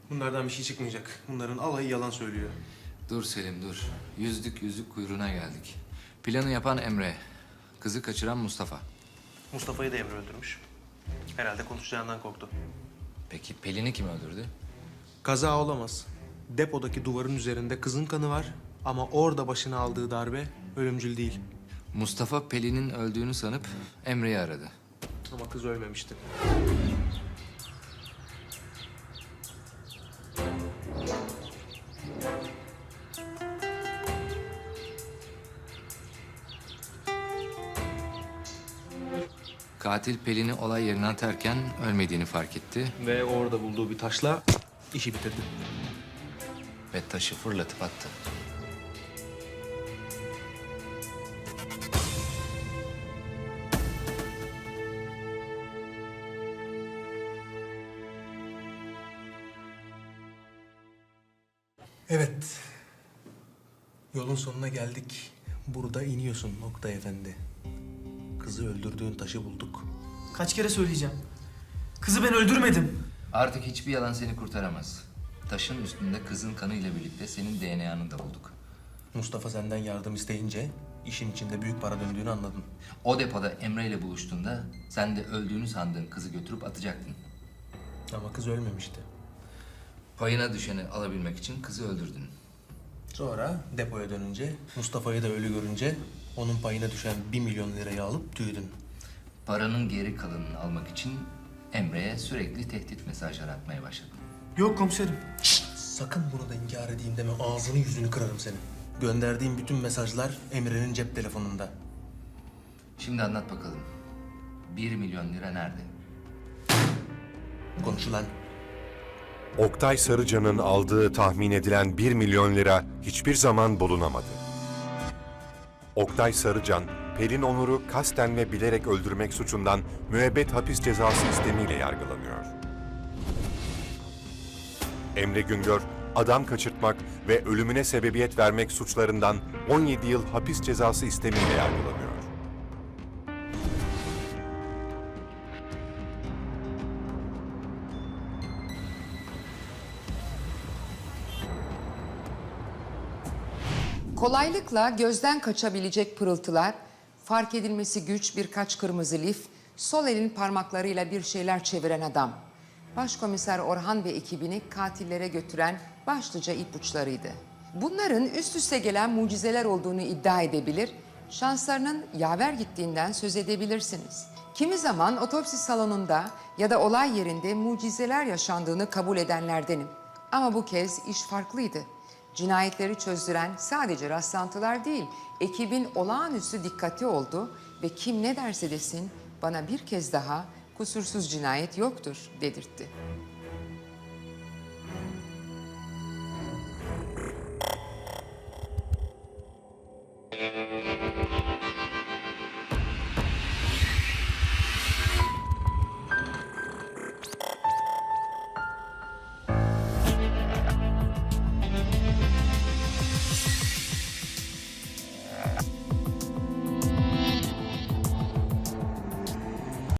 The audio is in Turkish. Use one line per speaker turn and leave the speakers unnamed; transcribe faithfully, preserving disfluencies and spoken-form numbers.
Bunlardan bir şey çıkmayacak. Bunların alayı yalan söylüyor.
Dur Selim dur. Yüzdük yüzük kuyruğuna geldik. Planı yapan Emre. Kızı kaçıran Mustafa.
Mustafa'yı da Emre öldürmüş. Herhalde konuşacağından korktu.
Peki Pelin'i kim öldürdü?
Kaza olamaz. Depodaki duvarın üzerinde kızın kanı var ama orada başına aldığı darbe ölümcül değil.
Mustafa Pelin'in öldüğünü sanıp Emre'yi aradı.
Ama kız ölmemişti.
Katil Pelin'i olay yerine atarken ölmediğini fark etti
Ve orada bulduğu bir taşla işi bitirdi.
ve taşı fırlatıp attı.
Evet. Yolun sonuna geldik. Burada iniyorsun Nokta Efendi. Kızı öldürdüğün taşı bulduk.
Kaç kere söyleyeceğim. Kızı ben öldürmedim.
Artık hiçbir yalan seni kurtaramaz. Taşın üstünde kızın kanıyla birlikte senin D N A'nı da bulduk.
Mustafa senden yardım isteyince işin içinde büyük para döndüğünü anladın.
O depoda Emre ile buluştuğunda sen de öldüğünü sandığın kızı götürüp atacaktın.
Ama kız ölmemişti.
Payına düşeni alabilmek için kızı öldürdün.
Sonra depoya dönünce Mustafa'yı da ölü görünce onun payına düşen bir milyon lirayı alıp tüydün.
Paranın geri kalanını almak için Emre'ye sürekli tehdit mesajları atmaya başladın.
Yok komiserim.
Sakın bunu da inkar edeyim deme. Ağzını yüzünü kırarım senin. Gönderdiğim bütün mesajlar Emre'nin cep telefonunda.
Şimdi anlat bakalım. Bir milyon lira nerede?
Konuşulan.
Oktay Sarıcan'ın aldığı tahmin edilen bir milyon lira hiçbir zaman bulunamadı. Oktay Sarıcan, Pelin Onur'u kasten ve bilerek öldürmek suçundan müebbet hapis cezası istemiyle yargılanıyor. Emre Güngör, adam kaçırtmak ve ölümüne sebebiyet vermek suçlarından on yedi yıl hapis cezası istemiyle yargılanıyor.
Kolaylıkla gözden kaçabilecek pırıltılar, fark edilmesi güç birkaç kırmızı lif, sol elin parmaklarıyla bir şeyler çeviren adam. Başkomiser Orhan ve ekibini katillere götüren başlıca ipuçlarıydı. Bunların üst üste gelen mucizeler olduğunu iddia edebilir, şanslarının yaver gittiğinden söz edebilirsiniz. Kimi zaman otopsi salonunda ya da olay yerinde mucizeler yaşandığını kabul edenlerdenim. Ama bu kez iş farklıydı. Cinayetleri çözdüren sadece rastlantılar değil, ekibin olağanüstü dikkati oldu ve kim ne derse desin bana bir kez daha kusursuz cinayet yoktur dedirtti.